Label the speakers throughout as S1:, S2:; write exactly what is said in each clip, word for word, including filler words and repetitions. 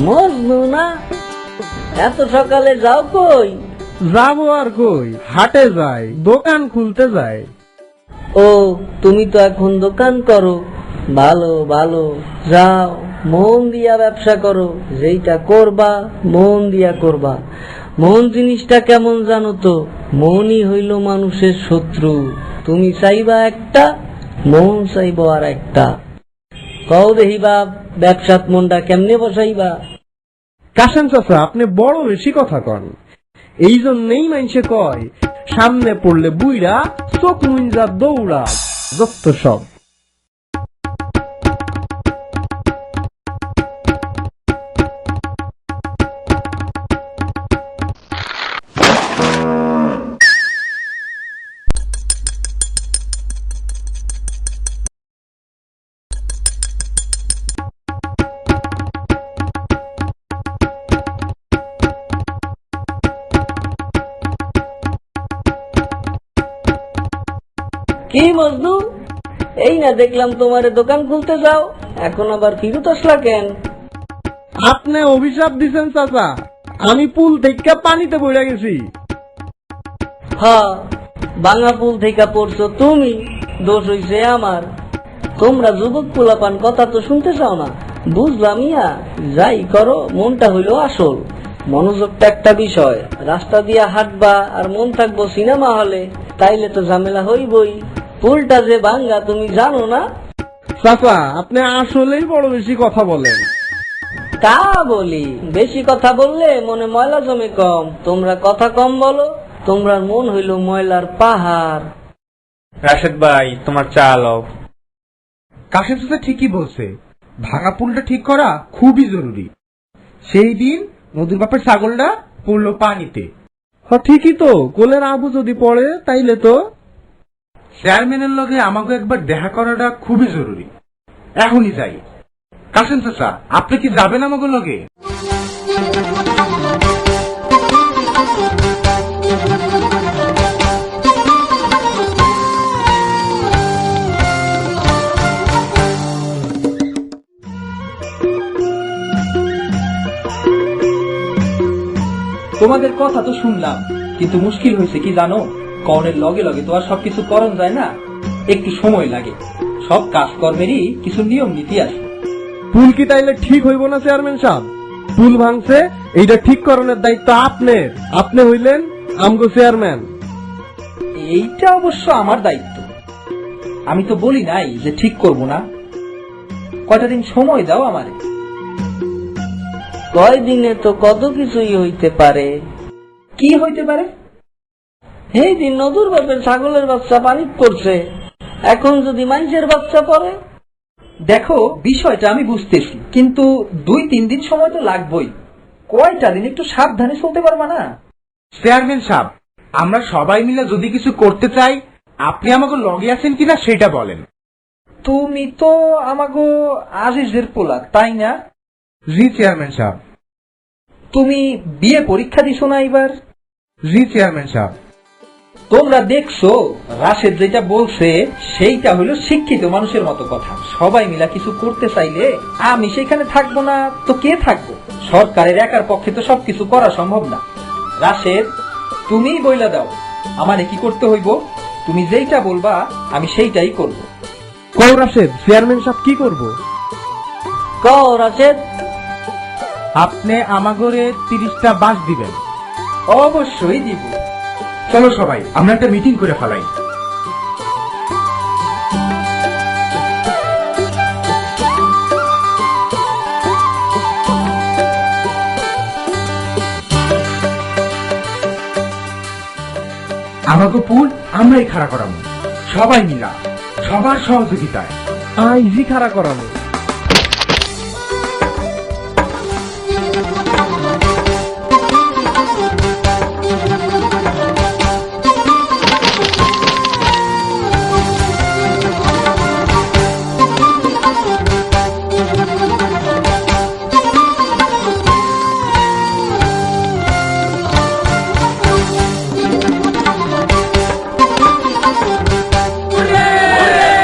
S1: মজনু না? এত সকালে যাও কই?
S2: যাবো আর কই, হাটে যাই, দোকান খুলতে যাই।
S1: ও, তুমি তো এখন দোকান করো। ভালো ভালো, যাও মন দিয়া ব্যবসা করো। যেইটা করবা মন দিয়া করবা। মন জিনিসটা কেমন জানো তো? মনই হইল মানুষের শত্রু। তুমি চাইবা একটা, মন চাইব আর একটা। কও দেহি বাপ, ব্যবসাত মনটা কেমনে বসাইবা?
S2: কাশেম চাচা, আপনি বড় বেশি কথা কন। এই জন্যই মানুষে কয়, সামনে পড়লে বুইরা, চোখ মুঞ্জা দৌড়া, যত সব।
S1: কি মজনু, এই না দেখলাম তোমার দোকান খুলতে যাও, এখন আবার ফিরত আসলা কেন?
S2: আপনি অভিশাপ দিছেন চাচা, আমি পুল থেকে পানিতে পড়ে গেছি।
S1: হ্যাঁ, বাঙা পুল থেকে পড়ছো তুমি, দোষ হইছে আমার। তোমরা যুবক পোলাপান কথা তো শুনতে চাও না, বুঝলাম ইয়া। যাই করো, মনটা হইল আসল। মনোযোগটা একটা বিষয়। রাস্তা দিয়া হাঁটবা আর মন থাকবো সিনেমা হলে, তাইলে তো ঝামেলা হইবই। পুলটা যে ভাঙ্গা তুমি জানো না?
S2: চাচা, আপনি আসলেই বড় বেশি কথা বলেন।
S1: তা বলি, বেশি কথা বললে মনে ময়লা জমে কম। তোমরা কথা কম বলো, তোমরা মন হইল ময়লার পাহাড়।
S3: রাশেদ ভাই, তোমার চা লও।
S4: কাশেম চাচা ঠিকই বলছে, ভাঙা পুলটা ঠিক করা খুবই জরুরি। সেই দিন নদীর বাপের ছাগলটা পড়লো পানিতে।
S2: হ্যাঁ ঠিকই তো, কোলের আবু যদি পড়ে তাইলে তো।
S4: চেয়ারম্যানের লগে আমাকে একবার দেখা করাটা খুবই জরুরি। এখনই যাই। কাশেম চাচা, আপনি কি যাবেন আমাকে লগে?
S5: তোমাদের কথা তো শুনলাম, কিন্তু মুশকিল হয়েছে কি জানো? কর্ণের লগে লগে তো আর সবকিছু করণ যায় না, একটু সময় লাগে। সব কাজকর্মেরই কিছু নিয়ম নীতি আছে।
S2: পুল কি তাইলে ঠিক হইব না চেয়ারম্যান সাহেব? পুল ভাঙছে, এইটা ঠিক করণের দায়িত্ব আপনার। আপনি হইলেন আমগো চেয়ারম্যান।
S5: এইটা অবশ্য আমার দায়িত্ব। আমি তো বলি নাই যে ঠিক করব না। কয়টা দিন সময় দাও আমারে।
S1: কয় দিনে তো কত কিছুই হইতে পারে।
S5: কি হইতে পারে?
S1: এই দিন নদুর বাপের ছাগলের বাচ্চা পানি পড়ছে, এখন যদি মানুষের বাচ্চা পড়ে?
S5: দেখো, বিষয়টা আমি বুঝতেছি, কিন্তু দুই তিন দিন সময় তো লাগবেই। কয়টা দিন একটু সাবধানে চলতে পারবা না?
S4: চেয়ারম্যান সাহেব, আমরা সবাই মিলে যদি কিছু করতে চাই, আপনি আমাকে লগে আছেন কিনা সেটা বলেন।
S5: তুমি তো আমাগো আজিজের পোলা, তাই না?
S4: জি চেয়ারম্যান সাহেব।
S5: তুমি বিয়ে পরীক্ষা দিছো না এবার?
S4: জি চেয়ারম্যান সাহেব।
S5: তোমরা দেখছো রাশেদ যেটা বলছে সেইটা হলো শিক্ষিত মানুষের মতো কথা। সবাই মিলা কিছু করতে চাইলে আমি সেখানে থাকবো না তো কে থাকবো? সরকারের একার পক্ষে তো সবকিছু করা সম্ভব না। রাশেদ, তুমিই বইলা দাও আমারে কি করতে হইব। তুমি যেইটা বলবা আমি সেইটাই করব।
S2: কও রাশেদ, চেয়ারম্যান সাহেব কি করব?
S1: কও রাশেদ।
S4: আপনি আমাগরে তিরিশটা বাস দিবেন।
S5: অবশ্যই দিব।
S4: চলো সবাই আমরা একটা মিটিং করে ফেলাই। আমাকে পুল আমরাই খাড়া করাবো, সবাই মিলা, সবার সহযোগিতায়।
S2: আইজি খাড়া করানো।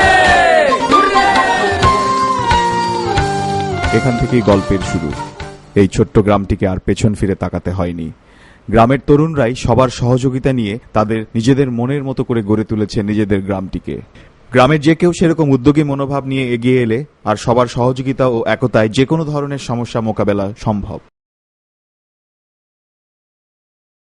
S6: এখান থেকেই গল্পের শুরু। এই ছোট্ট গ্রামটিকে আর পেছন ফিরে তাকাতে হয়নি। গ্রামের তরুণরাই সবার সহযোগিতা নিয়ে তাদের নিজেদের মনের মতো করে গড়ে তুলেছে নিজেদের গ্রামটিকে। গ্রামের যে কেউ সেরকম উদ্যোগী মনোভাব নিয়ে এগিয়ে এলে আর সবার সহযোগিতা ও একতায় যে কোনো ধরনের সমস্যা মোকাবেলা সম্ভব।